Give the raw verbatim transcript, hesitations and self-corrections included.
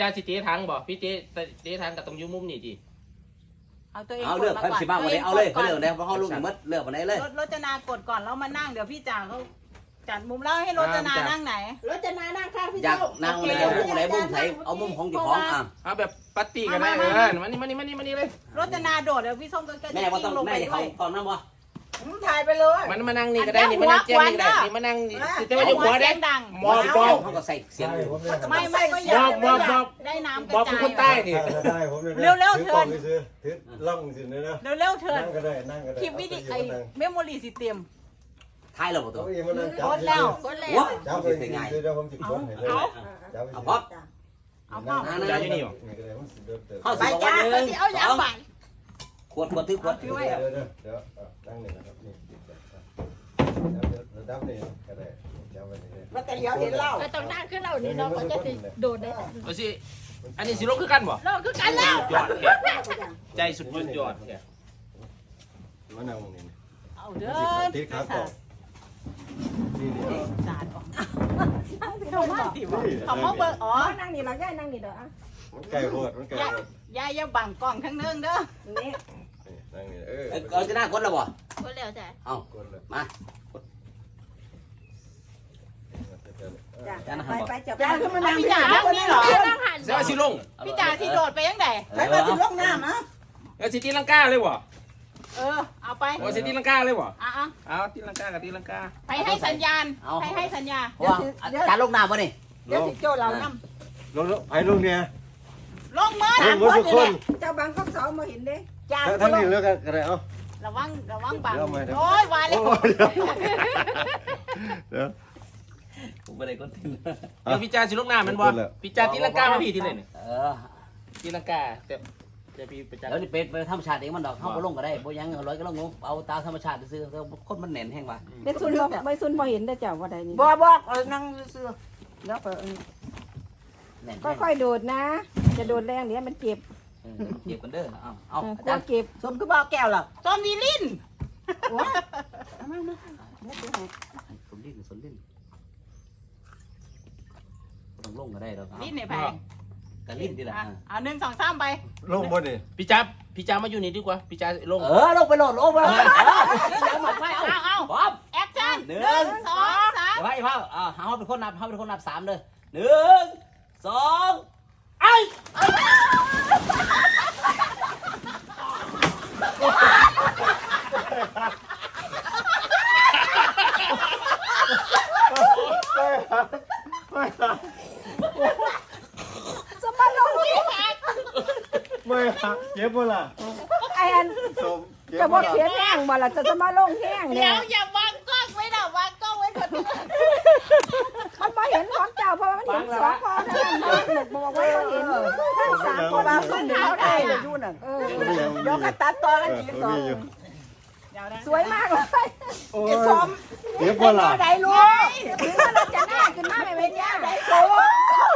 จ้าสิเจ๊ทังบอกพี่เจ๊เจ๊ทังกับตรงยุมุมนี่จีเอาตัวเองเอาเลือกใครสิบ้างวันนี้เอาเลยเขาเลือกเลยเพราะเขาลูกมัดเลือกวันไหนเลยรถจนากดก่อนแล้วมานั่งเดี๋ยวพี่จ่าเขาจัดมุมแล้วให้รถจนานั่งไหนรถจนานั่งข้างพี่อยากโจ้นั่งไหนเอามุมไหนมุมไหนเอามุมของเจ้าของอ่ะเอาแบบปัตตี้กันได้เออมานี่มานี่มานี่มานี่เลยรถจนาโดดเดี๋ยวพี่ส้มก็จะแม่ว่าต้องแม่เขาตอนนั้นวะถ่ายไปเลยมันมานั่งนี่ก็ได้นี่มานั่งเจ้านี่ได้นี่มานั่งแต่ว่าอยู่หัวได้ดังมอบมอบเขาก็ใส่เสียงไม่ไม่ก็อยากได้น้ำกระจายมอบคือคนใต้นี่เร็วเร็วเถินล่องสิเนี่ยนะเร็วเร็วเถินนั่งก็ได้นั่งก็ได้คลิปวิดีโอเมมโมรี่สิเต็มท้ายเราตัวกดแล้วกดแล้วจับเลยสิเดี๋ยวผมจิบคนให้เลยจับเอาป๊อปเอาพ่อจ้าอยู่นี่หรอเข้าไปสิบจ้าวันหนึ่งเอายาไปขวดขวดถือขวดเดี๋ยวเดี๋ยวเดี๋ยวตั้งหนึ่งนะครับนี่ระดับนี้ก็ได้จับไปเลยมาแต่เดี๋ยวเห็นเล่าก็ต้องนั่งขึ้นเรานี่เนาะก็จะติโดดได้เอาสิอันนี้สิลงคือกันบ่เราคือกันแล้วยอดใจสุดยอดแค่มานั่งนี่เอาเด้อติดขาต่อนี่นี่จานออกเขามาติวเขามาเบิกอ๋อนั่งนี่เราย่ายนั่งนี่เด้อมันไก่โหดมันไก่โหดยายอย่าบังกล้องทั้งนึงเด้อนี่นั่งนี่เออเอาจะหน้ากดแล้วบ่ก็แล้วแต่เอากดเลยมาจ้าไปไปจับจ้าขึ้นมานั่งพี่จ่านั่งนี่เหรอนั่งหันเสียสิลงพี่จ่าที่โดดไปยังไงไปมาถึงลงน้ำนะเอาสิตีลังกาเลยบ่เออเอาไปโอ้สิตีลังกาเลยบ่อ่ะอ่ะเอาตีลังกากับตีลังกาไปให้สัญญาณให้ให้สัญญาว่าการลงน้ำวะนี่เดี๋ยวสิโจ้เรานลงไอ้ลงเนี่ยลงมือลงหมดทุกคนำเจ้าบางก็สองมาเห็นเด้จ้าทั้งนี้เลือกกันอะไรเอ้าระวังระวังบังโอ้ยวายเลยเดี๋ยวผมไม่ได้กดทิ้งเดี๋ยวพี่จ่าสิลงน้ำมันบ่พี่จ่าตีลังกามาพี่ที่ไหนนี่เออตีลังกาแต่จะพี่ไปจ่าแล้วนี่เป็ดไปธรรมชาติเองมันดอกเข้าไปลงก็ได้บ่ยังร้อยก็ลงเอาตาธรรมชาติซื้อคนมันแน่นแห้งว่ะไม่ซุนบ่ไม่ซุนบ่เห็นได้เจ้าว่าใดนี่บ่บอกเออนั่งซื่อแล้วเออแน่นค่อยๆโดดนะ จะโดดแรงเดี๋ยวมันเจ็บเก็บกันเด้อเอาเอาเอออากลัจาว รย์เก็บสมคือบ่าวแก้วหรอต้นวีลินโอ้ยเอามามาเนี่ยดูให้สนลิ้นสนลิ้นต้องลงก็ได้ดอกลินในแพงกันลิ้นดีละอ่ะหนึ่งสองสามไปลงบนนี่พี่จ่าพี่จ่ามาอยู่นี่ดีกว่าพี่จ่าลงเออลงไปโหลดลงไปเออเอาหมดไปเอาเอาเอาพร้อมแอคชั่นหนึ่หนึ่งงสองสามเดี๋ยวให้พ่ออ่าเขาเป็นคนนับเขาเป็นคนนับสามเลยหนึ่งสองไอ้สมาลงที่ไม่ฮะเจ็บบ่ล่ะไอ้อันสมเจ็บจะบ่บ่ล่ะเขียนแห้งบ่ล่ะจะจะมาลงแห้งเดี๋เนี่ยยวอย่าวางกล้องไว้นะวางกล้องไว้คนเดียวมันบ่เห็นของเจ้าเพราะมันเห็นสองพอเท่านั้นมันบอกว่าบ่เห็นทั้งสามคนว่าขึ้นเท้าได้เลยอยู่น่ะเออเดี๋ยวก็ตัดต่อกันอีกสองเดี๋ยวนะสวยมากเลยโอ้ยเจ็บบ่ล่ะได้ลูกถึงว่าเราจะหน้าขึ้นมาไม่เป็นย่าได้สูง